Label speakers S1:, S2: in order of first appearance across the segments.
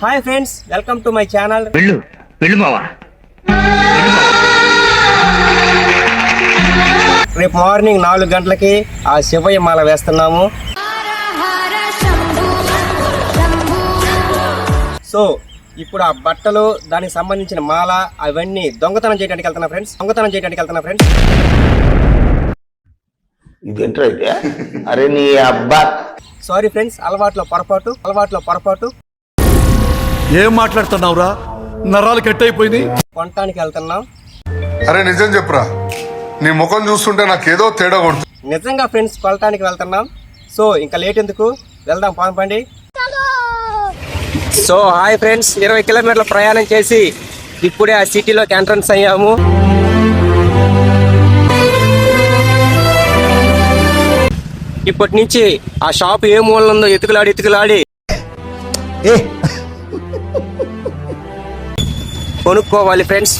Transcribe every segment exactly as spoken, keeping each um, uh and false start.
S1: Hi friends, welcome to my channel.
S2: వెళ్ళు వెళ్ళు మావా.
S1: రేపు మార్నింగ్ నాలుగు గంటలకి ఆ శివయ్య మాల వేస్తున్నాము. సో ఇప్పుడు ఆ బట్టలు, దానికి సంబంధించిన మాల అవన్నీ దొంగతనం చేయడానికి వెళ్తున్నా ఫ్రెండ్స్. దొంగతనం చేయడానికి వెళ్తున్నా ఫ్రెండ్స్.
S3: ఇదేంట్రా అయితే? అరే నీ అబ్బా.
S1: సారీ ఫ్రెండ్స్, అలవాట్లో పొరపాటు అలవాట్లో పొరపాటు
S4: ఏం మాట్లాడుతున్నావురా? నరాలు కట్ అయిపోయింది.
S1: కొనటానికి వెళ్తున్నాం.
S5: అరే నిజం చెప్పురా, నీ ముఖం చూస్తుంటే నాకేదో తేడా కొడుతుంది.
S1: నిజంగా ఫ్రెండ్స్, కొనటానికి వెళ్తున్నాం. సో ఇంకా లేట్ ఎందుకు, వెళ్దాం పాంపండి. సో హాయ్ ఫ్రెండ్స్, ఇరవై కిలోమీటర్ల ప్రయాణం చేసి ఇప్పుడే ఆ సిటీలోకి ఎంట్రన్స్ అయ్యాము. ఇప్పటి నుంచి ఆ షాప్ ఏ మూల ఉందో ఎతుకులాడి ఎతుకులాడి కొనుక్కోవాలి ఫ్రెండ్స్.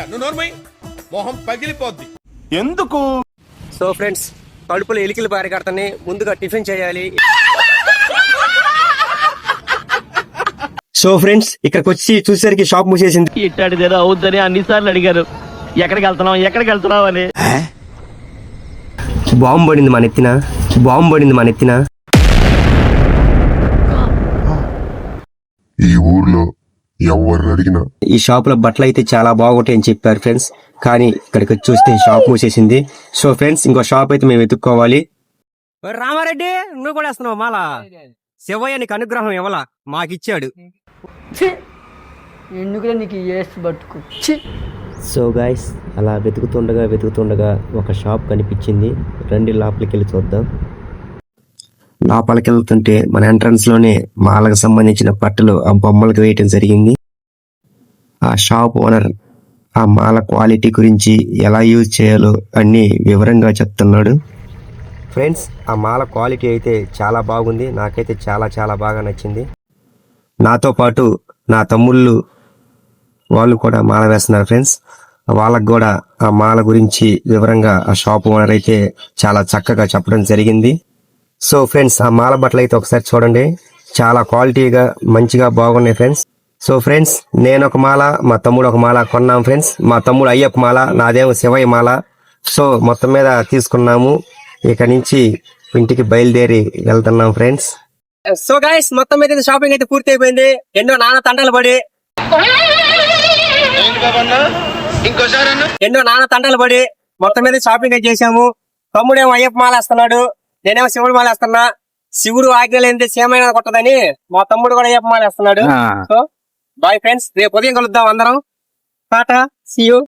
S4: ఎందుకు?
S1: సో ఫ్రెండ్స్, కడుపులో ఎలికలు పారికడతాని ముందుగా టిఫిన్ చేయాలి. సో ఫ్రెండ్స్, ఇక్కడికి వచ్చి చూసేసరికి షాప్ మూసేసింది.
S6: ఇట్టాడిదేదో అవుద్దని అన్నిసార్లు అడిగారు. ఎక్కడికి వెళ్తున్నావు ఎక్కడికి వెళ్తున్నావు అని.
S1: బాంబు పడింది మన ఎత్తిన, బాంబు పడింది మన ఎత్తిన.
S5: ఈ ఊర్లో ఎవరు అడిగినా
S1: ఈ షాప్ లో బట్టలు అయితే చాలా బాగుంటాయి అని చెప్పారు ఫ్రెండ్స్, కానీ ఇక్కడికి వచ్చి చూస్తే షాప్ మూసేసింది. సో ఫ్రెండ్స్, ఇంకో షాప్ అయితే మేము వెతుక్కోవాలి. రామారెడ్డి, నువ్వు కూడా వేస్తున్నావు మాల? శివయ్య నీకు అనుగ్రహం ఇవ్వాల, మాకిచ్చాడు.
S7: ఎందుకు నీకు ఏసు బతుకు.
S1: సో గైస్, అలా వెతుకుతుండగా వెతుకుతుండగా ఒక షాప్ కనిపించింది. రండి లోపలికి వెళ్ళి చూద్దాం. లోపలికి వెళ్తుంటే మన ఎంట్రన్స్ లోనే మాలకు సంబంధించిన బట్టలు ఆ బొమ్మలకు వేయటం జరిగింది. ఆ షాప్ ఓనర్ ఆ మాల క్వాలిటీ గురించి ఎలా యూజ్ చేయాలో అన్ని వివరంగా చెప్తున్నాడు. ఫ్రెండ్స్, ఆ మాల క్వాలిటీ అయితే చాలా బాగుంది. నాకైతే చాలా చాలా బాగా నచ్చింది. నాతో పాటు నా తమ్ముళ్ళు వాళ్ళు కూడా మాల వేస్తున్నారు ఫ్రెండ్స్. వాళ్ళకు కూడా ఆ మాల గురించి వివరంగా ఆ షాప్ ఓనర్ అయితే చాలా చక్కగా చెప్పడం జరిగింది. సో ఫ్రెండ్స్, ఆ మాల బట్టలు అయితే ఒకసారి చూడండి, చాలా క్వాలిటీగా మంచిగా బాగున్నాయి ఫ్రెండ్స్. సో ఫ్రెండ్స్, నేను ఒక మాల, మా తమ్ముడు ఒక మాల కొన్నాం ఫ్రెండ్స్. మా తమ్ముడు అయ్యప్ప మాల, నాదేమో శివయ్య మాల. సో మొత్తం మీద తీసుకున్నాము. ఇక నుంచి ఇంటికి బయలుదేరి వెళ్తున్నాం ఫ్రెండ్స్. సో గైస్, మొత్తం మీద షాపింగ్ అయితే పూర్తి అయిపోయింది. ఎన్నో నాన్న తండలు పడి ఎన్నో నాన్న తండలు పడి మొత్తం మీద షాపింగ్ అయితే చేసాము. తమ్ముడేమో అయ్యప్ప మాల వేస్తున్నాడు, నేనేమో శివుడు మాల వేస్తున్నా. శివుడు ఆజ్ఞలేంది సేమైనా కొట్టదని మా తమ్ముడు కూడా అయ్యప్ప మాల వేస్తున్నాడు. సో బాయ్ ఫ్రెండ్స్, రేపు ఉదయం కలుద్దాం అందరం. Tata, see you.